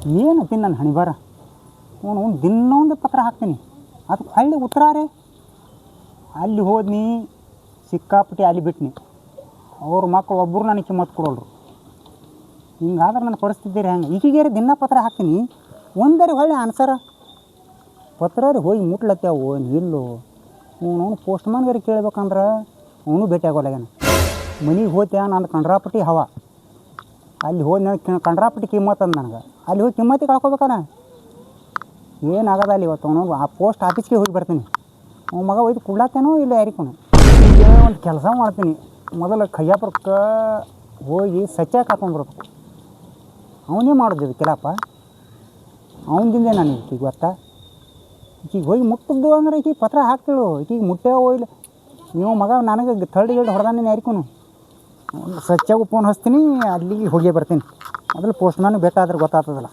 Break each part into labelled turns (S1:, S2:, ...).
S1: ಏನತ್ತೀನಿ ನನ್ನ ಹಣಿಬಾರ ಅವನು ದಿನ ಒಂದು ಪತ್ರ ಹಾಕ್ತೀನಿ ಅದಕ್ಕೆ ಹಳ್ಳಿ ಉತ್ತರ ರೀ ಅಲ್ಲಿ ಹೋದ್ನಿ ಸಿಕ್ಕಾಪಟ್ಟಿ ಅಲ್ಲಿ ಬಿಟ್ನಿ ಅವ್ರ ಮಕ್ಕಳು ಒಬ್ಬರು ನನಗೆ ಕಿಮ್ಮತ್ತು ಕೊಡೋಲ್ರು ಹಿಂಗಾದ್ರೆ ನನ್ನ ಪರಿಸ್ಥಿತಿ ರೀ ಹಂಗೆ ಈಗೀಗ ದಿನ ಪತ್ರ ಹಾಕ್ತೀನಿ ಒಂದರಿ ಹೊಳ್ಳಿ ಆನ್ಸರ ಪತ್ರ ರೀ ಹೋಗಿ ಮುಟ್ಲತ್ತೇವು ನಿಲ್ಲು ಅವನು ಪೋಸ್ಟ್ ಮ್ಯಾನ್ಗಾರಿ ಕೇಳ್ಬೇಕಂದ್ರೆ ಅವನು ಭೇಟಿ ಆಗೋಲ್ಲಾಗ್ಯಾನ ಮನೆಗೆ ಹೋಗ್ತೇ ನಾನು ಕಂಡ್ರಾಪಟ್ಟಿ ಹವ ಅಲ್ಲಿ ಹೋಗಿ ನನಗೆ ಕಂಡ್ರಾಪಟ್ಟಿ ಕಿಮ್ಮತ್ತು ಅಂದ ನನಗೆ ಅಲ್ಲಿ ಹೋಗಿ ಕಿಮ್ಮತ್ತಿ ಕಳ್ಕೊಬೇಕಣ್ಣ ಏನಾಗದ ಅಲ್ಲಿ ಇವತ್ತು ಅವನು ಆ ಪೋಸ್ಟ್ ಆಫೀಸ್ಗೆ ಹೋಗಿ ಬರ್ತೀನಿ ಅವ್ನ ಮಗ ಒಯ್ದು ಕುಡ್ಲಾತೇನೋ ಇಲ್ಲ ಯಾರಿಗೂ ಈಗ ಒಂದು ಕೆಲಸ ಮಾಡ್ತೀನಿ ಮೊದಲು ಕಯ್ಯಾಪುರಕ್ಕೆ ಹೋಗಿ ಸಚ್ಚಾಕ ಹಾಕೊಂಡ್ಬರ್ಬೇಕು ಅವನೇ ಮಾಡೋದು ಕೆಲಪ್ಪ ಅವನದಿಂದೆ ನಾನು ಈಗ ಗೊತ್ತಾ ಈಗ ಹೋಗಿ ಮುಟ್ಟಿದ್ದು ಅಂದ್ರೆ ಈಗ ಪತ್ರ ಹಾಕ್ತಿಳು ಈಗ ಮುಟ್ಟೇವೋ ಇಲ್ಲ ನೀವು ಮಗ ನನಗೆ ಥರ್ಡ್ ಗೇಡ್ ಹೊಡೆದಾನೆ ಯಾರಿಗೂ ಸಚ್ಚಾಗೂ ಫೋನ್ ಹಚ್ತೀನಿ ಅಲ್ಲಿಗೆ ಹೋಗಿ ಬರ್ತೀನಿ ಮೊದಲು ಪೋಸ್ಟ್ ಮ್ಯಾನ್ ಭೇಟ ಆದ್ರೆ ಗೊತ್ತಾಗ್ತದಲ್ಲ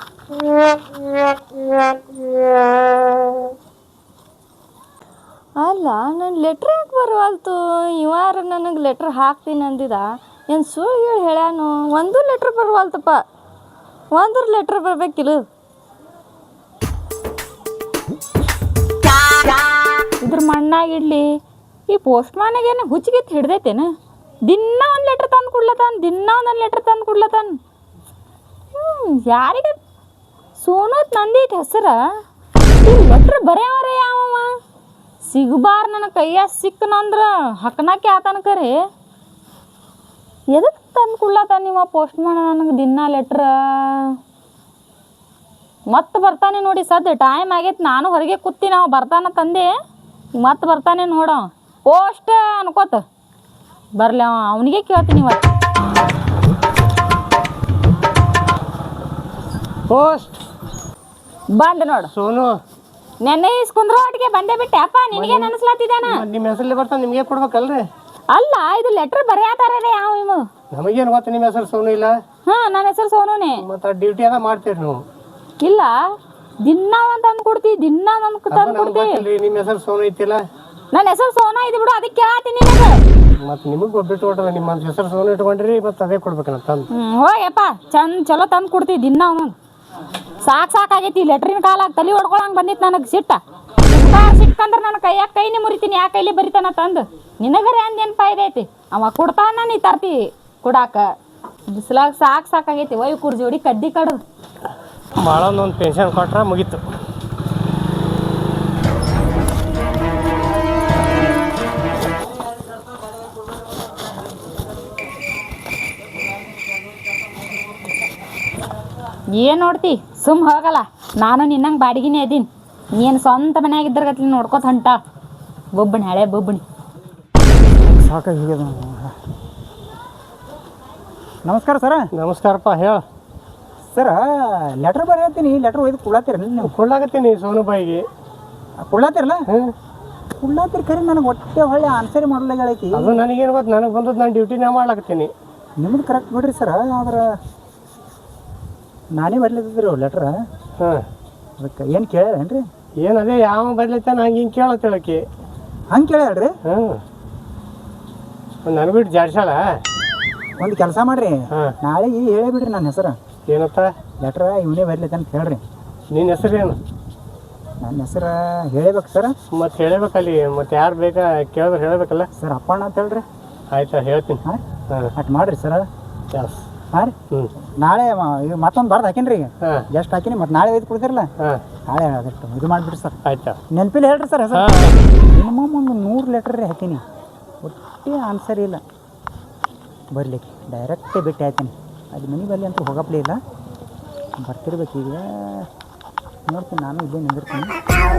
S2: ಅಲ್ಲ ನನ್ನ ಲೆಟ್ರ್ ಯಾಕೆ ಬರವಲ್ತು ಇವಾರ ನನಗೆ ಲೆಟ್ರ್ ಹಾಕ್ತೀನಿ ಅಂದಿದ ಏನು ಸುಳ್ಳು ಹೇಳ್ಯಾನು ಒಂದು ಲೆಟ್ರ್ ಬರವಲ್ತಪ್ಪ ಒಂದ್ರ ಲೆಟ್ರ್ ಬರಬೇಕಿಲ್ಲ ಇದ್ರ ಮಣ್ಣಾಗಿಡ್ಲಿ ಈ ಪೋಸ್ಟ್ ಮ್ಯಾನಿಗೇನು ಹುಚ್ಚಿಗೆತ್ತು ಹಿಡ್ದೈತೇನು ದಿನ ಒಂದು ಲೆಟ್ರ್ ತಂದು ಕೊಡ್ಲತ್ತಾನ ಯಾರಿಗೆ ಸೋನೋತ್ ನಂದೈತಿ ಹೆಸರ ಈ ಲೆಟ್ರ್ ಬರೆಯವರೇ ಯಾವವ ಸಿಗಬಾರ ನನ್ನ ಕೈಯಾಗ ಸಿಕ್ಕನಂದ್ರೆ ಹಕ್ಕನಾಕೆ ಆತನ ಕರೆ ಎದಕ್ಕೆ ತಂದು ಕೊಡ್ಲತ್ತಾನ ನೀವು ಪೋಸ್ಟ್ ಮ್ಯಾನ್ ನನಗೆ ದಿನ ಲೆಟ್ರ ಮತ್ತೆ ಬರ್ತಾನೆ ನೋಡಿ ಸದ್ಯ ಟೈಮ್ ಆಗೈತೆ ನಾನು ಹೊರಗೆ ಕೂತಿ ನಾವು ಬರ್ತಾನ ತಂದೆ ಮತ್ತೆ ಬರ್ತಾನೆ ನೋಡ ಪೋಸ್ಟ್ ಅನ್ಕೋತ ಬರಲಿ ಅವನಿಗೆ ಕೇಳ್ತೀನಿ ಇವತ್ತು
S3: ಪೋಸ್ಟ್
S2: ಬಂದ ನೋಡು
S3: ಸೋನು
S2: ನೆನ್ನೆ ಇಸ್ಕೊಂಡ್ರ ಒಟ್ಟಿಗೆ ಬಂದೇ ಬಿಟ್ಟೆ ಅಪ್ಪ ನಿನಗೆ ನೆನಸ್ಲಾತಿದ್ದಾನ
S3: ನಿಮ್ಮ ಹೆಸರಲ್ಲಿ ಬರ್ತಾನೆ ನಿಮಗೆ ಕೊಡ್ಬೇಕಲ್ರಿ
S2: ಅಲ್ಲ ಇದು ಲೆಟ್ರ್ ಬರೆಯತಾರೇ ಯಾವ ಇವು
S3: ನಮಗೇನು ಗೊತ್ತ ನಿಮ್ಮ ಹೆಸರು ಸೋನು ಇಲ್ಲ
S2: ಹಾಂ ನನ್ನ ಹೆಸರು ಸೋನುನೇ
S3: ಮತ್ತೆ ಡ್ಯೂಟಿ ಅದ ಮಾಡ್ತೀರಿ ನೀವು
S2: ಇಲ್ಲ ದಿನ ಒಂದು ತಂದು ಕೊಡ್ತೀವಿ ದಿನ ಒಂದು ತಂದು ಕೊಡ್ತೀವಿ
S3: ನಿಮ್ಮ ಹೆಸರು ಸೋನು ಐತಿಲ್ಲ
S2: ನನ್ನ ಹೆಸರು ಸೋನಾ ಇದು ಬಿಡು ಅದಕ್ಕೆ ಕೇಳತ್ತೀನಿ ನಿನಗೆ
S3: ಮತ್ತೆ ನಿಮಗೆ ಬಿಟ್ಟು ಹೊಟ್ಟದ ನಿಮ್ಮ ಹೆಸರು ಸೋನು ಇಟ್ಕೊಂಡ್ರಿ ಮತ್ತೆ ಅದೇ ಕೊಡ್ಬೇಕನ್ನ ತಂದು
S2: ಹೋಯಪ್ಪ ಚಲೋ ತಂದು ಕೊಡ್ತೀವಿ ದಿನ ಅವನು ಸಾಕಾಗೈತಿ ಲೆಟ್ರಿನ ಕಾಲಾಗ ತಲೆ ಹೊಡ್ಕೊಳಂಗೆ ಬಂದಿತ್ತು ನನಗೆ ಸಿಕ್ಕಂದ್ರೆ ನನ್ನ ಕೈಯಾಗ ಕೈನೇ ಮುರಿತೀನಿ ಯಾ ಕೈಲಿ ಬರಿತಾನ ತಂದು ನಿನಗರೆ ಅಂದೇನು ಫಾಯ್ದೆ ಐತಿ ಅವ ಕೊಡ್ತಾನ ನೀ ತರ್ತಿ ಕೊಡಾಕ ಬಿಸಿಲಾಗ ಸಾಕಾಗೈತಿ ಒಯ್ ಕುರ್ಜೋಡಿ ಕಡ್ಡಿ ಕಡ್ದು
S3: ಭಾಳ ಒಂದು ಪೆನ್ಷನ್ ಕೊಟ್ರೆ ಮುಗೀತು
S2: ಏನು ನೋಡ್ತಿ ಸುಮ್ ಹೋಗಲ್ಲ ನಾನು ನಿನ್ನಂಗೆ ಬಾಡಿಗೆನೇ ಅದೀನಿ ನೀನು ಸ್ವಂತ ಮನ್ಯಾಗಿದ್ದರ್ಗತ್ಲಿ ನೋಡ್ಕೋತ ಹೊಂಟ ಬೊಬ್ಬಣಿ ಹಳೆ ಬೊಬ್ಬಣಿ
S1: ಸಾಕಾಗಿ ನಮಸ್ಕಾರ ಸರ
S3: ನಮಸ್ಕಾರಪ್ಪ ಹೇಳ
S1: ಸರ ಲೆಟ್ರ್ ಬರೆಯತ್ತೀನಿ ಲೆಟ್ರ್ ಒಯ್ದು ಕೊಡ್ಲಾತಿರಲ್ಲ ನೀವು
S3: ಕೊಡ್ಲಾಕತ್ತೀನಿ ಸೋನು ಬಾಯಿಗೆ
S1: ಕೊಡ್ಲಾತಿರಲ್ಲ
S3: ಹ್ಞೂ
S1: ಕೊಡ್ಲಾತಿರ್ ಖರೆ ನನಗೆ ಹೊಟ್ಟೆ ಹೊಳ್ಳೆ ಆನ್ಸರ್ ಮಾಡಲ್ಲ ಹೇಳೈತಿ
S3: ಅದು ನನಗೇನು ಗೊತ್ತು ನನಗೆ ಬಂದದ್ದು ನಾನು ಡ್ಯೂಟಿನೇ ಮಾಡ್ಲಾಕತ್ತೀನಿ
S1: ನಿಮ್ದು ಕರೆಕ್ಟ್ ಬಿಡ್ರಿ ಸರ ಆದ್ರೆ ನಾನೇ ಬರ್ಲಿದ್ರಿ ಲೆಟ್ರ
S3: ಹಾಂ
S1: ಅದಕ್ಕೆ ಏನು ಕೇಳ್ಯಾರೇನ್ರಿ
S3: ಏನು ಅದೇ ಯಾವ ಬರ್ಲೈತೆ ನಂಗೆ ಹಿಂಗೆ ಕೇಳತ್ತೇಳಕ್ಕೆ
S1: ಹಂಗೆ ಕೇಳ್ಯಾಳ್ರಿ
S3: ಹಾಂ ನನಗೆ ಬಿಟ್ಟು ಜಾಡ್ಸಾಳ
S1: ಒಂದು ಕೆಲಸ ಮಾಡ್ರಿ
S3: ಹಾಂ
S1: ನಾಳೆಗೆ ಹೇಳೇ ಬಿಡ್ರಿ ನನ್ನ ಹೆಸರು
S3: ಏನತ್ತ
S1: ಲೆಟ್ರ ಇವನೇ ಬರ್ಲೈತೆ ಅಂತ ಹೇಳ್ರಿ
S3: ನಿನ್ನ ಹೆಸರೇನು
S1: ನನ್ನ ಹೆಸರು ಹೇಳಬೇಕು ಸರ್
S3: ಮತ್ತೆ ಹೇಳಬೇಕಲ್ಲಿ ಮತ್ತೆ ಯಾರು ಬೇಕಾ ಕೇಳಿದ್ರೆ ಹೇಳಬೇಕಲ್ಲ
S1: ಸರ್ ಅಪ್ಪಣ್ಣ ಅಂತ ಹೇಳ್ರಿ
S3: ಆಯ್ತಾ ಹೇಳ್ತೀನಿ
S1: ಹಾಂ
S3: ಹಾಂ
S1: ಅಟ್ ಮಾಡಿರಿ ಸರ
S3: ಜಾಸ್
S1: ಹಾಂ ರೀ
S3: ಹ್ಞೂ
S1: ನಾಳೆ ಮತ್ತೊಂದು ಬರ್ದು ಹಾಕೀನಿ ರೀ ಈಗ
S3: ಹಾಂ
S1: ಜಸ್ಟ್ ಹಾಕೀನಿ ಮತ್ತು ನಾಳೆ ಒಯ್ದು ಕೊಡ್ತಿರಲ್ಲ
S3: ಹಾಂ
S1: ನಾಳೆ ಅದಷ್ಟು ಇದು ಮಾಡಿಬಿಡ್ರಿ ಸರ್
S3: ಆಯ್ತಾ
S1: ನೆನಪಿಲ್ಲ ಹೇಳ್ರಿ ಸರ್ ಹೆಸರು
S3: ಹಾಂ
S1: ಮಿನಿಮಮ್ ಒಂದು 100 ಲೆಟ್ರ್ ರೀ ಹಾಕೀನಿ ಒಟ್ಟೆ ಆನ್ಸರ್ ಇಲ್ಲ ಬರಲಿಕ್ಕೆ ಡೈರೆಕ್ಟೇ ಭೇಟಿ ಆಯ್ತೀನಿ ಅದು ಮನೆ ಬರಲಿ ಅಂತೂ ಹೋಗಪ್ಲೇ ಇಲ್ಲ ಬರ್ತಿರ್ಬೇಕು ಈಗ ನೋಡ್ತೀನಿ ನಾನು ಇಲ್ಲೇ ನಿಂದಿರ್ತೀನಿ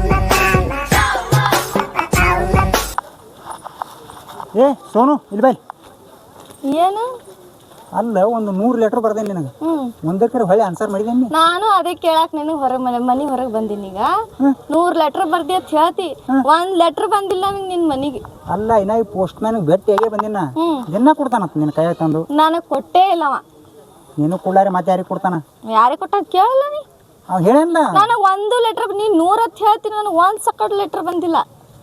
S1: ಏ ಸೋನು ಇಲ್ಲಿ ಬೈ
S2: ಏನು
S1: ಅಲ್ಲ ಒಂದು 100 ಲೆಟ್ರ್ ಬರ್ದೇನೆ ನಿನಗೆ ಒಂದಕ್ಕೆ ಹೊಳ್ಳಿ ಆನ್ಸರ್ ಮಾಡಿದೇನಿ
S2: ನಾನು ಅದೇ ಕೇಳಾಕ ನಿನಗೆ ಹೊರಗೆ ಮನೆ ಹೊರಗೆ ಬಂದೀನಿ ಈಗ 100 ಲೆಟ್ರ್ ಬರ್ದಿ ಅಂತ ಹೇಳ್ತಿ ಒಂದು ಲೆಟ್ರ್ ಬಂದಿಲ್ಲ ನನಗೆ ನಿನ್ನ ಮನೆಗೆ
S1: ಅಲ್ಲ ಇನ್ನ ಈ ಪೋಸ್ಟ್ ಮ್ಯಾನ್ ಭೇಟಿಯಾಗೇ ಬಂದಿನ ದಿನ ಕೊಡ್ತಾನಂತ ನಿನ್ನ ಕೈಯಾಗ ತಂದು
S2: ನನಗೆ ಕೊಟ್ಟೇ ಇಲ್ಲವ
S1: ನೀನು ಕೊಡ್ಲಾರೆ ಮತ್ತೆ ಯಾರಿಗೆ ಕೊಡ್ತಾನ
S2: ಯಾರಿಗೆ ಕೊಟ್ಟ ಕೇಳಲ್ಲ ನೀ
S1: ಅವ್ ಹೇಳಲ್ಲ
S2: ನನಗೆ ಒಂದು ಲೆಟ್ರ್ ನೀ 100 ಅಂತ ಹೇಳ್ತೀನಿ ನನಗೆ ಒಂದು ಸಕಟ್ ಲೆಟ್ರ್ ಬಂದಿಲ್ಲ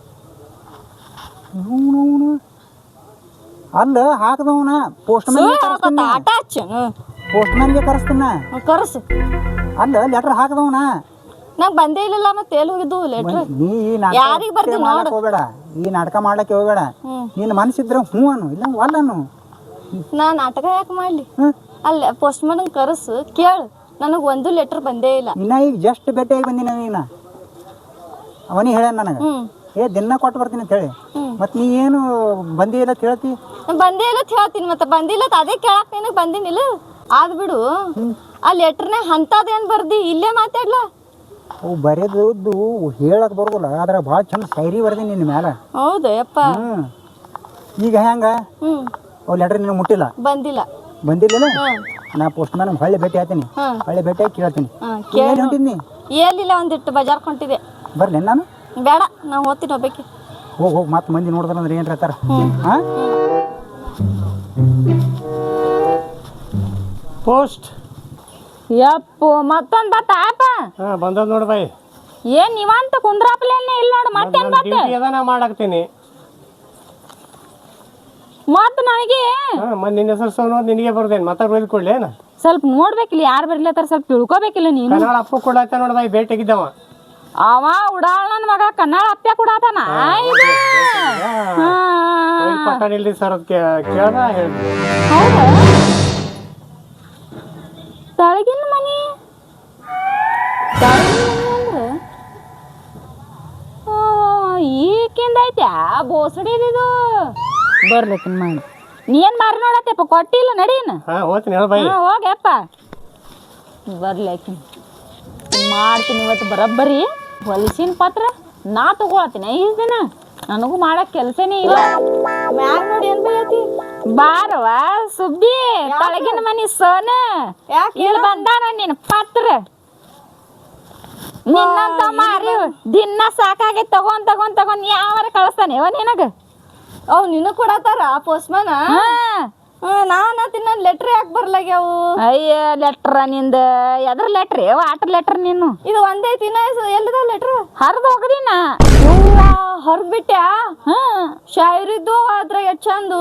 S1: ಅಲ್ಲ ಹಾಕದವನ ಪೋಸ್ಟ್ ಮ್ಯಾನ್
S2: ಆಟ ಹಚ್ಚ
S1: ಪೋಸ್ಟ್ ಮ್ಯಾನ್ಗೆ ಕರೆಸ್ತೀನ
S2: ಕರ್ಸು
S1: ಅಲ್ಲ ಲೆಟ್ರ್ ಹಾಕದವನ
S2: ನಂಗೆ ಬಂದೇ ಇಲ್ಲಲ್ಲ ಮತ್ತೆ ಎಲ್ಲಿ ಹೋಗಿದ್ದು ಲೆಟ್ರ್
S1: ನೀ ಈ
S2: ಯಾರಿಗ್ ಬರ್ದಿ
S1: ನಾಟಕ ಹೋಗ್ಬೇಡ, ಈ ನಾಟಕ ಮಾಡ್ಲಿಕ್ಕೆ ಹೋಗ್ಬೇಡ. ನಿನ್ನ ಮನಸ್ಸಿದ್ರೆ ಹ್ಞೂ ಅನ್ನು ಇಲ್ಲ ಅಲ್ಲನು.
S2: ನಾ ನಾಟಕ ಯಾಕೆ ಮಾಡಲಿ? ಅಲ್ಲ ಪೋಸ್ಟ್ ಮ್ಯಾನ್ ಕರೆಸು ಕೇಳು, ನನಗೆ ಒಂದು ಲೆಟ್ರ್ ಬಂದೇ ಇಲ್ಲ.
S1: ಇನ್ನ ಈಗ ಜಸ್ಟ್ ಭೇಟಿಯಾಗಿ ಬಂದಿನ ನೀನು. ಅವನಿಗೆ ಹೇಳ ನನಗೆ ದಿನ ಕೊಟ್ಟು ಬರ್ತೀನಿ ಅಂತ ಹೇಳಿ. ಮತ್ತು ನೀ ಏನು ಬಂದಿ ಇಲ್ಲ ಕೇಳ್ತಿ?
S2: ಬಂದೇ ಇಲ್ಲ ಹೇಳ್ತೀನಿ, ಮತ್ತೆ ಬಂದಿಲ್ಲ ಅದೇ ಕೇಳಕ್ ನಿನಗೆ ಬಂದಿನಿಲ್ಲ. ಆದ್ ಬಿಡು, ಆ ಲೆಟ್ರ್ನೇ ಅಂಥದ್ದೇನು ಬರ್ದಿ ಇಲ್ಲೇ ಮಾತಾಡ್ಲ.
S1: ಅವು ಬರೆದದ್ದು ಹೇಳಕ್ಕೆ ಬರೋದಿಲ್ಲ, ಆದ್ರೆ ಭಾಳ ಚಂದ ಶೈರಿ ಬರ್ದೀನಿ ನಿನ್ನ ಮ್ಯಾಲ.
S2: ಹೌದು ಯಪ್ಪ.
S1: ಈಗ ಹೆಂಗ ಅವು ಲೆಟ್ರ್ ನಿನಗೆ ಮುಟ್ಟಿಲ್ಲ?
S2: ಬಂದಿಲ್ಲ.
S1: ಬಂದಿಲ್ಲ? ನಾ ಪೋಸ್ಟ್ ಮ್ಯಾನ್ ಹೊಳ್ಳಿ ಭೇಟಿ ಆತೀನಿ, ಹೊಳ್ಳಿ ಭೇಟಿಯಾಗಿ ಕೇಳ್ತೀನಿ. ಏನು ಹೊಂಟಿದ್ನಿ?
S2: ಏನಿಲ್ಲ, ಒಂದಿಟ್ಟು ಬಜಾರ್ ಹೊಂಟಿದೆ.
S1: ಬರ್ಲಿ ನಾನು?
S2: ಬೇಡ, ನಾವು ಹೋಗ್ತೀನಿ ಒಬ್ಬಕ್ಕೆ.
S1: ಹೋಗಿ ಮತ್ತೆ ಮಂದಿ ನೋಡಿದ್ರಂದ್ರೆ ಏನು ಹೇಳ್ತಾರ? ಹಾಂ
S3: ಪೋಸ್ಟ್
S2: ಯಪ್ಪು ಮತ್ತೊಂದು ಬತ್ತಾಪ.
S3: ಬಂದದ್ ನೋಡಿ ಬಾಯಿ.
S2: ಏನ್ ನೀವಂತ ಕುಂದ್ರಾಪ್ಲೇನೆ ಇಲ್ಲ ನೋಡು. ಮತ್ತೇನ್ ಬತ್ತ?
S3: ನಾ ಮಾಡಾಕ್ತೀನಿ.
S2: ಮತ್ ನನಗೆ
S3: ಮತ್ತೆ ನಿನ್ನ ಹೆಸರು ಸೋನು ನಿನಗೆ ಬರ್ದೇನು ಮತ್ತೆ ಬೈದು ಕೊಡ್ಲೇನ?
S2: ಸ್ವಲ್ಪ ನೋಡ್ಬೇಕಿಲ್ಲ, ಯಾರು ಬರ್ಲತ್ತಾರ ಸ್ವಲ್ಪ ತಿಳ್ಕೊಬೇಕಿಲ್ಲ ನೀನು.
S3: ಕನ್ನಡ ಅಪ್ಪ ಕೊಡಾತ ನೋಡಿ ಬಾಯಿ, ಭೇಟಿಗಿದ್ದವ
S2: ಅವ ಉಡಾಳ ನನ್ ಮಗ ಕನ್ನಡ ಅಪ್ಪ ಕೊಡಾತನ.
S3: ಪಟ್ಟಣಿಲ್ರಿ ಸರ್ ಅದ್ ಕೇಳ್ದ ಹೇಳಿದ್ವಿ.
S2: ಹೌದಾ? ತಳಗಿನ ಮನಿ ಅಂದ್ರೆ ಈಕಿಂದ ಐತೆ ಬೋಸಡಿದು ಬರ್ಲಿಕ್ಕಿನ್ ಮಾಡಿ. ನೀನ್ ಮಾರಿ ನೋಡತ್ತಪ್ಪ, ಕೊಟ್ಟಿಲ್ಲ ನಡೀನ.
S3: ಹೋಗ್ತೀನಿ ಹೇಳ ಬಾಯಿ.
S2: ಹೋಗ್ಯಪ್ಪ ಬರ್ಲಿಕ್ಕಿನ್ ಮಾಡ್ತೀನಿ ಇವತ್ತು ಬರಬ್ಬರಿ. ಹೊಲಸಿನ ಪತ್ರ ನಾ ತಗೊಳತೀನಿ. ಈ ದಿನ ನನಗೂ ಮಾಡಕ್ ಕೆಲ್ಸನೇ ಇಲ್ಲ. ಮ್ಯಾಗ ನೋಡಿ ಏನ್ ಬೈಯತಿ? ಬಾರವ ಸುಬ್ಬಿ, ತಳಗಿನ ಮನಿ ಸೋನ ಇಲ್ಲಿ ಬಂದಾನ ನಿನ್ ಪತ್ರ. ನಿನ್ನಂತ ಮಾರಿ ದಿನ ಸಾಕಾಗೈತ್ ತಗೊಂಡ್ ತಗೊಂಡ್ ತಗೊಂಡ್ ಯಾವಾರ ಕಳಿಸ್ತಾನೆ ಅವ ನಿನಗ. ಅವ್ ನಿನಗ್ ಕೊಡತಾರ ಪೋಸ್ಟ್ ಮ್ಯಾನ್? ನಾನು ತಿನ್ನ ಲೆಟ್ರ್ ಯಾಕೆ ಬರ್ಲಾಗ್ಯಾವು? ಅಯ್ಯ ಲೆಟ್ರ ನಿಂದ ಎದ್ರ ಲೆಟ್ರ್? ವಾಟರ್ ಲೆಟ್ರ್ ನೀನು. ಇದು ಒಂದೇ ತಿನ್ನ ಎಲ್ಲಿದ ಲೆಟ್ರ್? ಹರಿದು ಹೋಗದಿನ ಹರಿದ್ ಬಿಟ್ಟ್ಯಾ? ಶಾಯರಿದ್ದು ಅದ್ರ ಎಷ್ಟ್ ಚಂದು.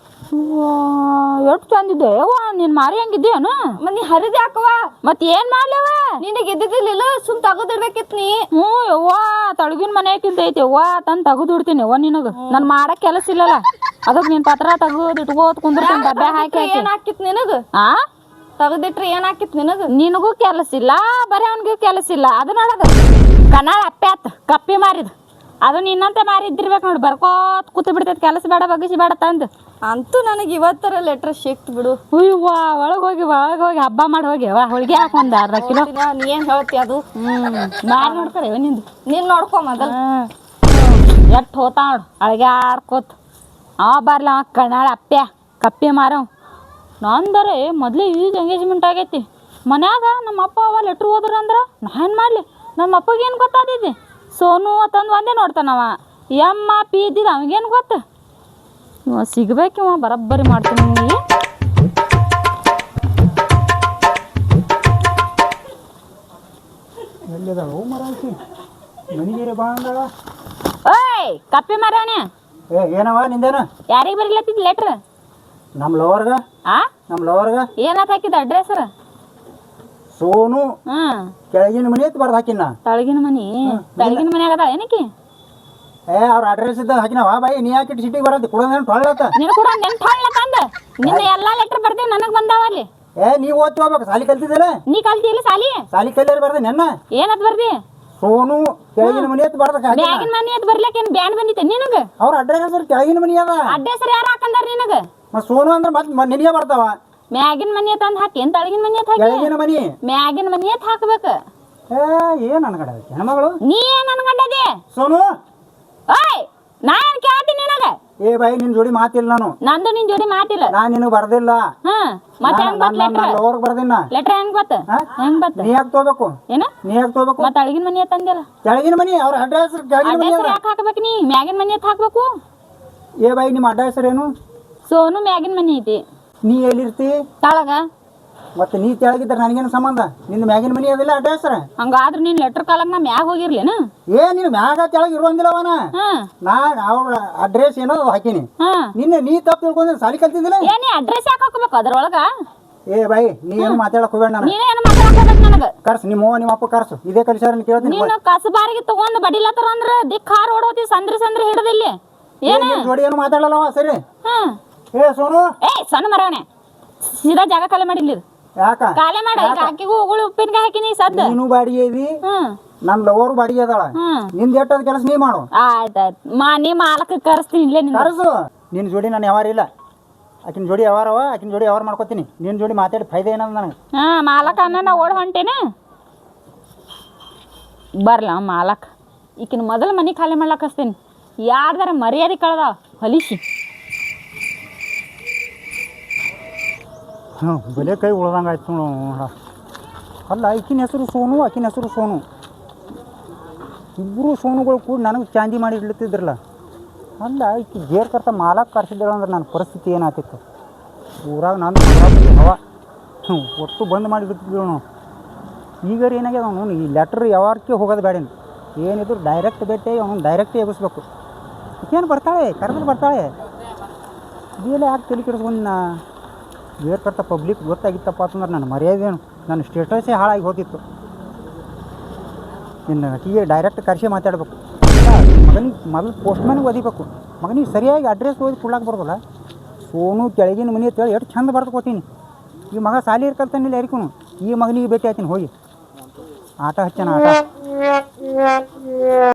S2: ಎಷ್ಟು ಚಂದಿದ್ದೆ ಯವ್ವ, ನೀನ್ ಮಾರಿ ಹಂಗಿದ್ದೇನು? ಮತ್ ನೀ ಹರಿದ್ ಯಾಕವ? ಮತ್ ಏನ್ ಮಾಡ್ಲೇವ? ನಿನಗೆ ಇದ್ದಿದ್ದಿಲ್ಲ, ಸುಮ್ ತಗದಿಡ್ಬೇಕಿತ್ ನೀ. ಯವ್ವ ತಳಗಿನ ಮನೆಯಾಕಿಂದ ಐತಿ ಯವ್ವ, ತಂದ್ ತಗದಿಡ್ತೀನಿ ಯವ್ವ ನಿನಗ. ನನ್ ಮಾಡಕ್ ಕೆಲಸ ಇಲ್ಲಲ್ಲ, ಅದಕ್ ನೀನ್ ಪತ್ರ ತಗದ್ ಇಟ್ಕೋತ್ ಕುಂದಿರ್ತೀನಿ ಡಬ್ಬೆ ಹಾಕಿ. ಏನ್ ಹಾಕಿತ್ ನಿನಗ? ತಗದಿಟ್ರಿ ಏನ್ ಹಾಕಿತ್ ನಿನಗ? ನಿನಗೂ ಕೆಲಸ ಇಲ್ಲ, ಬರೀ ಅವನಿಗೂ ಕೆಲಸ ಇಲ್ಲ. ಅದು ನೋಡದ ಕನ್ನಡ ಅಪ್ಪೆ ಆತ್ ಕಪ್ಪಿ ಮಾರಿದ್. ಅದು ನಿನ್ನಂತೆ ಮಾರಿದ್ದಿರ್ಬೇಕು ನೋಡಿ, ಬರ್ಕೋತ್ ಕೂತ್ ಬಿಡ್ತೈತಿ. ಕೆಲಸ ಬೇಡ ಬಗ್ಗಿಸಿ ಬೇಡ ತಂದು. ಅಂತೂ ನನಗೆ ಇವತ್ತರ ಲೆಟ್ರ್ ಸಿಕ್ತು ಬಿಡು. ಹುಯ್ವಾ ಒಳಗೋಗಿ ಹಬ್ಬ ಮಾಡಿ ಹೋಗಿ ಹೋಳಿಗೆ ಹಾಕಿ ಒಂದು ಅರ್ಧ ಕಿಲೋ. ನೀ ಏನ್ ಹೇಳ್ತಿ ಅದು? ಮಾರಿ ನೋಡ್ತಾರೆ ನಿಂದು. ನೀನ್ ನೋಡ್ಕೊ ಮೊದಲ. ಎಟ್ಟು ಹೋತಾ ನೋಡು ಅಳಗೆ ಆಡ್ಕೋತ. ಅವ ಬರ್ಲ ಅವ ಕನ್ನಡ ಅಪ್ಪೆ ಕಪ್ಪಿ ಮಾರವ್. ನಂದರೆ ಮೊದ್ಲೇ ಈಗ ಎಂಗೇಜ್ಮೆಂಟ್ ಆಗೈತಿ ಮನ್ಯಾಗ. ನಮ್ಮ ಅಪ್ಪ ಅವ ಲೆಟ್ರ್ ಹೋದ್ರ ಅಂದ್ರೆ ನಾ ಏನು ಮಾಡಲಿ? ನಮ್ಮ ಅಪ್ಪಗೆ ಏನು ಗೊತ್ತಾದಿದ್ದೆ? ಸೋನು ಅಂತಂದು ಒಂದೇ ನೋಡ್ತಾನವ. ಎಮ್ಮ ಪಿ ಇದ್ದಿದ್ದು ಅವಾಗೇನು ಗೊತ್ತ? ಇವ ಸಿಗ್ಬೇಕು, ಇವ ಬರಬ್ಬರಿ ಮಾಡ್ತೀನಿ ನಿಮಗೆ.
S1: ಎಲ್ಲಿದಾವ ಮರಾಕಿ ಮನಿಗೇರಿ ಬಾ ಅಂದಳ.
S2: ಓಯ್ ಕಪ್ಪಿ ಮಾರವನೇ,
S1: ಏನವ ನಿಂದೇನು?
S2: ಯಾರಿಗೆ ಬರೀಲತ್ತಿದ್ ಲೆಟ್ರ್?
S1: ನಮ್ಮ ಲವರ್ಗ. ನಮ್ಮ ಲವರ್ಗ
S2: ಏನಂತ ಹಾಕಿದ ಅಡ್ರೆಸ್?
S1: ಸೋನು ಕೆಳಗಿನ ಮನಿ ಅಂತ ಬರ್ದು ಹಾಕಿನ.
S2: ತಳಗಿನ ಮನಿ? ತಳಗಿನ ಮನಿ ಆಗದ ಏನಕ್ಕೆ?
S1: ಅವ್ರ ಅಡ್ರೆಸ್ ಇದ್ದ ಹಾಕಿನವ ಬಾಯಿ. ನೀ ಯಾಕೆ ಸಿಟಿಗೆ ಬರತ್ತೆ ಕುಡೋದೇನು ಟೊಳ್ಳತ್ತ?
S2: ನಿನ್ನ ಕೂಡ ನೆನ್ಪಾಳ ತಂದ ನಿನ್ನ ಎಲ್ಲಾ ಲೆಟರ್ ಬರ್ದೇವ್ ನನಗ್ ಬಂದಾವ ಅಲ್ಲಿ.
S1: ನೀವು ಓದ್ತಿ ಹೋಗ್ಬೇಕು, ಸಾಲಿ ಕಲ್ತಿದ್ದಲ್ಲ?
S2: ನೀ ಕಲ್ತಿಲ್ಲ ಸಾಲಿ?
S1: ಸಾಲಿ ಕಲ್ಯಾರ ಬರ್ದೆ ನೆನ್ನ.
S2: ಏನತ್ ಬರ್ದಿ?
S1: ಸೋನು ಕೆಳಗಿನ ಮನಿ ಅಂತ ಬರ್ದ.
S2: ಬ್ಯಾಗಿನ ಮನಿ ಅಂತ ಬರ್ಲಿಕ್ಕೆ ಏನ್ ಬ್ಯಾನ್ ಬಂದಿತ್ತೆ ನಿನಗ?
S1: ಅವ್ರ ಅಡ್ರೆಸ್ ಕೆಳಗಿನ ಮನಿ ಅದ.
S2: ಅಡ್ರೆಸ್ ಯಾರು ಹಾಕಂದಾರ ನಿನಗ?
S1: ಸೋನು ಅಂದ್ರೆ ಮತ್ತೆ ನಿನಗೆ ಬರ್ತಾವ.
S2: ಮ್ಯಾಗಿನ ಮನಿ ಅಂತ ಅಂದ್ ಹಾಕಿ, ತಳಗಿನ ಮನಿ ಅಂತ ಹಾಕಿ?
S1: ಕೆಳಗಿನ ಮನಿ.
S2: ಮ್ಯಾಗಿನ ಮನಿ ಅಂತ ಹಾಕ್ಬೇಕು.
S1: ಏನ್ ಅನ್ಗಡ ಹೆಣ್ಮಗಳು?
S2: ನೀ ಏನ್ ಅನ್ಕೊಂಡದಿ?
S1: ಸೋನು
S2: ಓಯ್ ನಾ ಏನ್ ಕೇಳ್ತೀನಿ ನಿನಗ?
S1: ಬಾಯಿ ನಿನ್ ಜೋಡಿ ಮಾತಿಲ್ಲ ನಾನು.
S2: ನಂದು ನಿನ್ ಜೋಡಿ ಮಾತಿಲ್ಲ.
S1: ನಾನ್ ನಿನಗ್ ಬರ್ದಿಲ್ಲ.
S2: ಮತ್ತೆ ಹೆಂಗ್ ಬತ್ ಲೆಟರ್?
S1: ಲವರ್ಗ್ ಬರ್ದಿನ.
S2: ಲೆಟರ್ ಹೆಂಗ್ ಬತ್ತ? ಹೆಂಗ್ ಬತ್ತ?
S1: ನೀ ಯಾಕೆ ತಗೋಬೇಕು?
S2: ಏನ
S1: ನೀ ಯಾಕೆ ತಗೋಬೇಕು?
S2: ಮತ್ತೆ ತಳಗಿನ ಮನಿ ಅಂತ ಅಂದಿಲ್ಲ?
S1: ಕೆಳಗಿನ ಮನಿ ಅವ್ರ ಅಡ್ರೆಸ್ ಕೆಳಗಿನ ಮನಿ
S2: ಅಡ್ರೆಸ್ ಯಾಕೆ ಹಾಕಬೇಕು? ನೀ ಮ್ಯಾಗಿನ ಮನಿ ಅಂತ ಹಾಕ್ಬೇಕು.
S1: ಬಾಯಿ ನಿಮ್ಮ ಅಡ್ರೆಸ್ ಏನು?
S2: ಸೋನು ಮ್ಯಾಗಿನ ಮನಿ ಐತಿ.
S1: ನೀ ಎಲ್ಲಿರ್ತಿ?
S2: ತಳಗ. ಮತ್ತೆ
S1: ನೀ ತೆಳಗಿದ್ರೆ ನನಗೇನು ಸಂಬಂಧ? ನಿನ್ನ ಮ್ಯಾಗಿನ ಮನಿ ಅದಿಲ್ಲ ಅಡ್ರೆಸ್?
S2: ಹಂಗಾದ್ರೆ ನೀನ್ ಲೆಟರ್ ಕಾಲಕ್ ನಾ ಮ್ಯಾಗ ಹೋಗಿರ್ಲೇನ?
S1: ನೀನು ಮ್ಯಾಗ ತೆಳಗ ಇರುವಂದಿಲ್ಲವನ. ನಾನು ಅವ್ರ ಅಡ್ರೆಸ್ ಏನೋ ಹಾಕೀನಿ. ನೀ ತಪ್ಪು ತಿಳ್ಕೊಂಡ್ರೆ ಸಾಲಿ ಕಲ್ತಿದ್ದಿಲ್ಲ.
S2: ಏನೇ ಅಡ್ರೆಸ್ ಯಾಕೆ ಹಾಕಬೇಕು ಅದ್ರೊಳಗ?
S1: ಏ ಬಾಯಿ ನೀ ಏನು ಮಾತಾಡಕ್ ಹೋಗ್ಬೇಡ ನಾನು
S2: ನೀನೇನು ಮಾತಾಡಕ್ ನನಗ
S1: ಕರ್ಸು ನಿಮ್ಮ ಅವ್ವ ನಿಮ್ಮ ಅಪ್ಪ ಕರ್ಸು ಇದೇ ಕಲಿಸಾರ ಕೇಳ್ತೀನಿ
S2: ನೀನು ಕಸಬಾರಿಗೆ ತಗೊಂಡ್ ಬಡಿಲತ್ತಾರ ಅಂದ್ರ ದಿಕ್ ಹಾರ್ ಓಡೋತಿ ಸಂದ್ರಿ ಹಿಡದಿಲ್ಲಿ ಏನ
S1: ಜೋಡಿ ಏನು ಮಾತಾಡಲ್ಲವ ಸರಿ
S2: ಹ್ಮ್
S1: ಏ ಸೋನು
S2: ಏ ಸಣ್ಣ ಮರವಣೆ ಸೀದಾ ಜಾಗ ಖಾಲಿ ಮಾಡಿಲ್ಲ ಇದು
S1: ಯಾಕ
S2: ಖಾಲಿ ಮಾಡ ಈಗ ಅಕ್ಕಿಗೂ ಉಗುಳು ಉಪ್ಪಿನಕಾಯಿ ಹಾಕಿನಿ ಸದ್ದ
S1: ನೀನು ಬಾಡಿಗೆ ಇದಿ
S2: ಹ್ಮ್
S1: ನಮ್ ಲವರ್ ಬಾಡಿಗೆ ಅದಾಳ ನಿಂದ ಎಟ್ಟದ ಕೆಲಸ ನೀ ಮಾಡು
S2: ಆಯ್ತಾಯ್ತು ನೀ ಮಾಲಕ ಕರೆಸ್ತೀನಿ ಇಲ್ಲೇ ನಿನ್ನ
S1: ಕರ್ಸು ನಿನ್ನ ಜೋಡಿ ನಾನು ಯಾವಾರ ಇಲ್ಲ ಆಕಿನ ಜೋಡಿ ಯಾವಾರವ ಆಕಿನ ಜೋಡಿ ಯಾವಾರ ಮಾಡ್ಕೋತೀನಿ ನಿನ್ನ ಜೋಡಿ ಮಾತಾಡಿ ಫೈದೆ ಏನಂದ ನನಗೆ
S2: ಮಾಲಕ ಅನ್ನ ಓಡ್ ಹೊಂಟೇನ ಬರ್ಲ ಮಾಲಕ್ ಈಕಿನ ಮೊದಲು ಮನೆ ಖಾಲಿ ಮಾಡ್ಲಕ್ ಹಚ್ತೀನಿ ಯಾರ್ದಾರ ಮರ್ಯಾದೆ ಕಳ್ದಾವ ಹೊಲಿಸಿ
S1: ಬಲೆ ಕೈ ಉಳ್ದಂಗೆ ಆಯ್ತು ನೋಡು ಅಲ್ಲ ಆಕಿನ ಹೆಸರು ಸೋನು ಆಕಿನ ಹೆಸರು ಸೋನು ಇಬ್ಬರು ಸೋನುಗಳು ಕೂಡ ನನಗೆ ಚಾಂದಿ ಮಾಡಿ ಇಡ್ಲತ್ತಿದ್ರಲ್ಲ ಅಲ್ಲ ಈಕಿ ಜೇರ್ ಕರ್ತ ಮಾಲಕ್ ಕರ್ಸಿದ್ದೇಳು ಅಂದ್ರೆ ನನ್ನ ಪರಿಸ್ಥಿತಿ ಏನಾಗ್ತಿತ್ತು ಊರಾಗ ನಾನು ಹವ ಒಟ್ಟು ಬಂದ್ ಮಾಡಿ ಬಿಡ್ತಿದ್ರು ನಾವು ಈಗ ಏನಾಗ್ಯದ ಅವನು ಈ ಲೆಟ್ರ್ ಯಾವಾರಕ್ಕೆ ಹೋಗೋದು ಬೇಡೇನು ಏನಿದ್ರು ಡೈರೆಕ್ಟ್ ಭೇಟಿ ಅವನು ಡೈರೆಕ್ಟೇ ಎಬ್ಬಿಸ್ಬೇಕು ಈಕೇನು ಬರ್ತಾಳೆ ಕರೆದ್ರೆ ಬರ್ತಾಳೆ ಇದೆಲ್ಲ ಯಾಕೆ ತಲೆ ಕೆಡಿಸ್ಕೊಂಡು ನಾ ಜೇರ್ ಕರ್ತ ಪಬ್ಲಿಕ್ ಗೊತ್ತಾಗಿತ್ತಪ್ಪ ಅಂತಂದ್ರೆ ನನ್ನ ಮರ್ಯಾದೇನು ನನ್ನ ಸ್ಟೇಟಸೇ ಹಾಳಾಗಿ ಹೋಗಿತ್ತು ನಿನ್ನ ಆಕಿಗೆ ಡೈರೆಕ್ಟ್ ಕರ್ಸಿ ಮಾತಾಡ್ಬೇಕು ಮಗನಿಗೆ ಮೊದಲು ಪೋಸ್ಟ್ಮ್ಯಾನಿಗೆ ಒದಿಬೇಕು ಮಗನಿಗೆ ಸರಿಯಾಗಿ ಅಡ್ರೆಸ್ ಓದಿ ಕೊಡ್ಲಾಕ್ ಬರೋದಲ್ಲ ಸೋನು ಕೆಳಗಿನ ಮನೆ ಅಂತೇಳಿ ಎಷ್ಟು ಚಂದ ಬರ್ದು ಕೊಟ್ಟೀನಿ ಈ ಮಗ ಸಾಲಿ ಇರ್ಕಲ್ತಾನಿಲ್ಲ ಯಾರಿಗೂ ಈ ಮಗನಿಗೆ ಭೇಟಿ ಆಯ್ತೀನಿ ಹೋಗಿ ಆಟ ಹಚ್ಚಾನ ಆಟ